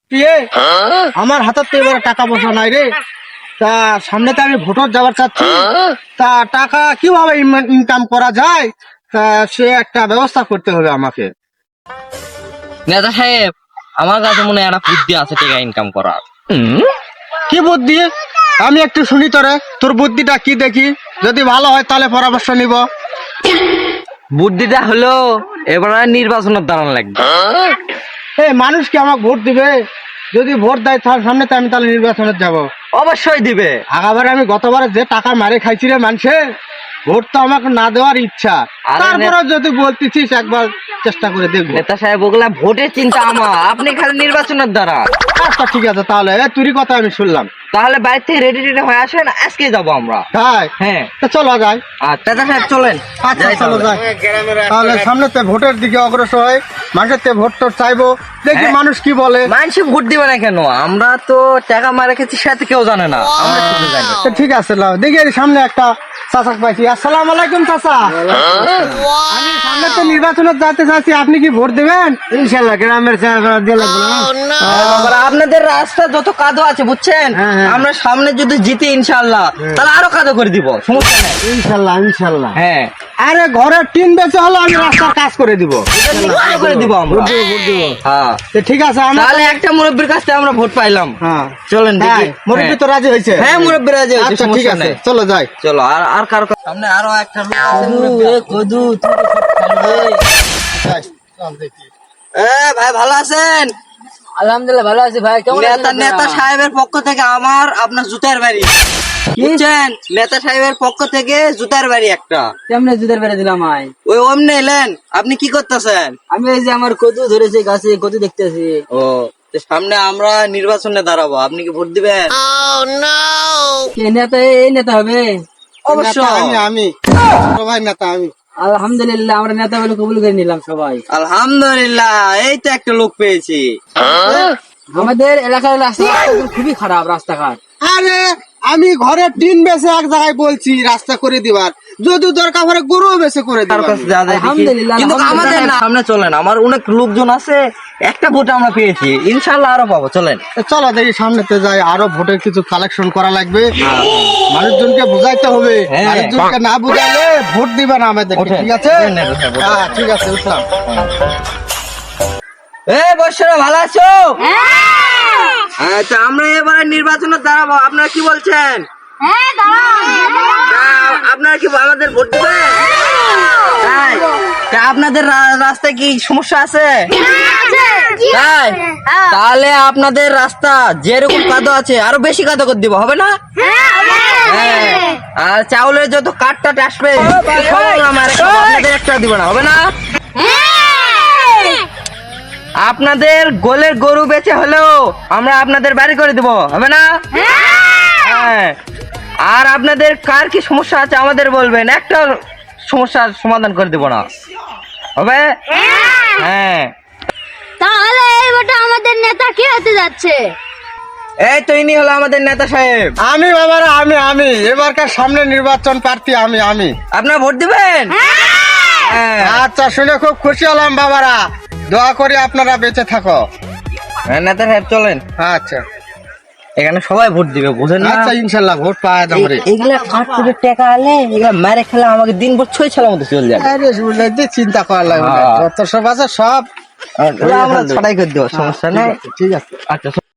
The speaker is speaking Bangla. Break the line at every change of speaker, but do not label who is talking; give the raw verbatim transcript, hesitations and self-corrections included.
আমার হাতে তো এবারে টাকা পয়সা নাই রে। তা সামনে তো আমি ভোটার যাওয়ার চাচ্ছি, তা টাকা কিভাবে ইনকাম করা যায়, তা সে একটা ব্যবস্থা করতে হবে আমাকে।
নেতা সাহেব, আমার কাছে মনে হয় একটা বুদ্ধি আছে টাকা ইনকাম করার।
কি বুদ্ধি? আমি একটু শুনি তোরে, তোর বুদ্ধিটা কি দেখি, যদি ভালো হয় তাহলে পরামর্শ নিব।
বুদ্ধিটা হলো এবার নির্বাচনের দাঁড়ান লাগবে।
এই মানুষ কি আমাকে ভোট দিবে? যদি ভোট দেয় তার সামনে তো আমি তাহলে নির্বাচনে যাব।
অবশ্যই দিবে।
আগাবারে আমি গতবারে যে টাকা মারে খাইছি রে মানুষে, ভোট তো আমাকে না দেওয়ার ইচ্ছা।
আরে
তারপরে যদি বলতেছিস একবার চেষ্টা করে দেখবো।
নেতা সাহেব, ওগুলা ভোটের চিন্তা আমার, আপনি খালি নির্বাচনের দ্বারা।
আচ্ছা ঠিক আছে, তাহলে এ তুই কথা আমি শুনলাম।
তাহলে বাড়ি থেকে রেডি রেডি হয়ে আসেন, আজকে যাবো আমরা।
তাই?
হ্যাঁ,
তা চলো যাই।
আচ্ছা নেতা সাহেব চলেন।
আচ্ছা
যাই
চলো
তাহলে।
যাই। তাহলে সামনে তে ভোটের দিকে অগ্রসর হয়, মানুষের তে ভোট টোট চাইবো, দেখি
হ্যাঁ।
মানুষ কি বলে।
মানুষ ভোট দিবে না কেন? আমরা তো টাকা মারা খেয়েছি, সাথে কেউ জানে না, আমরা শুধু জানি।
তো ঠিক আছে, লাও দেখি এর সামনে একটা চাচা পাইছি। আসসালামু আলাইকুম চাচা। আমি সামনে তো নির্বাচনে যেতে চাচ্ছি, আপনি কি ভোট দেবেন? ইনশাআল্লাহ, গ্রামের
এবার আপনাদের রাস্তা যত কাদো আছে বুঝছেন,
হ্যাঁ, হ্যাঁ।
আমরা সামনে যদি জিতি ইনশাআল্লাহ, তাহলে আরো কাদো করে দিব, সমস্যা নেই।
ইনশাআল্লাহ ইনশাআল্লাহ।
হ্যাঁ,
আরে ঘরের টিন বেচে হলো আমি রাস্তার কাজ করে দিব।
কাদো করে দিব আমরা। হ্যাঁ,
তো ঠিক আছে, আমরা
তাহলে একটা মুরব্বীর কাছ থেকে আমরা ভোট পাইলাম।
হ্যাঁ
চলেন দেখি।
মুরব্বী তো রাজি হয়েছে।
হ্যাঁ, মুরব্বী রাজি হয়েছে,
আচ্ছা ঠিক
সমস্যা
আছে,
নেই।
চলো যাই।
চলো, আর আর কারো সামনে আরো একটা লোক আছে, মুরব্বী। এ কদু, তুই তো সব খালি রে।
যাই, চল দেখি।
এ ভাই, ভালো আছেন?
আলহামদুলিল্লাহ ভালো আছি ভাই। কেমন আছেন
নেতা
আপনারা?
নেতা সাহেবের পক্ষ থেকে আমার আপনার জুতার বাড়ি, বুঝছেন? নেতা সাহেবের পক্ষ থেকে জুতার বাড়ি একটা।
কেমনে জুতার বেড়ে দিলাম আই?
ওই অমনে এলেন, আপনি কি করতেছেন?
আমি এই যে আমার কদু ধরেছে গাছে, কদু দেখতেছি।
ও, তো সামনে আমরা নির্বাচনে দাঁড়াবো, আপনি কি ভোট দিবেন?
কে নেতা? এই নেতা হবে?
নেতা
অবশ্যই।
আমি আমি ছোট ভাই নেতা আমি।
আলহামদুলিল্লাহ, আমরা নেতা বলে কবুল করে নিলাম সবাই।
আলহামদুলিল্লাহ, এই তো একটা লোক পেয়েছি।
আমাদের এলাকার রাস্তা খুবই খারাপ, রাস্তাঘাট।
আরে আমি ঘরে টিন বেচে এক জায়গায় বলছি রাস্তা করে দিবার, যদি দরকার পড়ে গরু বেচে করে
তার
দিবার।
কাছে যা যায় দেখি।
আলহামদুলিল্লাহ,
কিন্তু
আলহামদুলিল্লাহ।
আমাদের না, সামনে চলেন, আমার অনেক লোকজন আছে, একটা ভোট আমরা পেয়েছি, ইনশাল্লাহ আরো পাবো, চলেন।
তো চলো দেখি সামনেতে যাই, আরো ভোটের কিছু কালেকশন করা লাগবে, মানুষজনকে বুঝাইতে হবে।
হ্যাঁ।
মানুষজনকে না বুঝাইলে ভোট দিবে না আমাদের,
ওঠেন।
ঠিক আছে?
ওঠেন, ওঠেন, ওঠেন।
হ্যাঁ ঠিক আছে, উঠলাম।
এ বৎসরা, ভালো আছো? আচ্ছা, আমরা এবারে নির্বাচনে দাঁড়াবো, আপনারা কি বলছেন? তা আপনারা কি আমাদের ভোট দিবেন? তাই? তা আপনাদের রা- রাস্তায় কি সমস্যা আছে? তাই? তাহলে আপনাদের রাস্তা যেরকম কাদো আছে আরো বেশি কাদো করে দিব, হবে না? হ্যাঁ। আর চাউলের যত কাঠটা আসবে সব আমার একটা, আপনাদের একটা দিব না, হবে না? আপনাদের গোলের গরু বেচে হলেও আমরা আপনাদের বাড়ি করে দিব, হবে না? হ্যাঁ। আর আপনাদের কার কি সমস্যা আছে আমাদের বলবেন, একটা সমস্যার সমাধান করে দিব না, হবে? হ্যাঁ।
তাহলে এই ভোটে আমাদের নেতা কি হতে যাচ্ছে?
এই তো ইনি হলো আমাদের নেতা সাহেব।
আমি বাবারা আমি আমি এবারকার সামনে নির্বাচন প্রার্থী আমি আমি
আপনারা ভোট দিবেন? হ্যাঁ।
আচ্ছা, শুনে খুব খুশি হলাম বাবারা, দোয়া করি আপনারা বেঁচে থাকো।
হ্যাঁ, নেতা সাহেব চলেন,
আচ্ছা
এখানে সবাই ভোট দিবে, বুঝেন না?
আচ্ছা, ইনশাল্লাহ ভোট পাওয়া যাবে।
এই- এইগুলা কাঠ করে টাকা আলে এগুলা মেরে খেলে আমাকে দিন ভর ছয় ছেলের মতো চলে যাবে।
আরে শুনলে যে চিন্তা করার লাগবে না,
হ্যাঁ।
যত সব আছে সব
ওগুলা আমরা ছাড়াই করে দেবো, সমস্যা নেই।
ঠিক আছে।
আচ্ছা।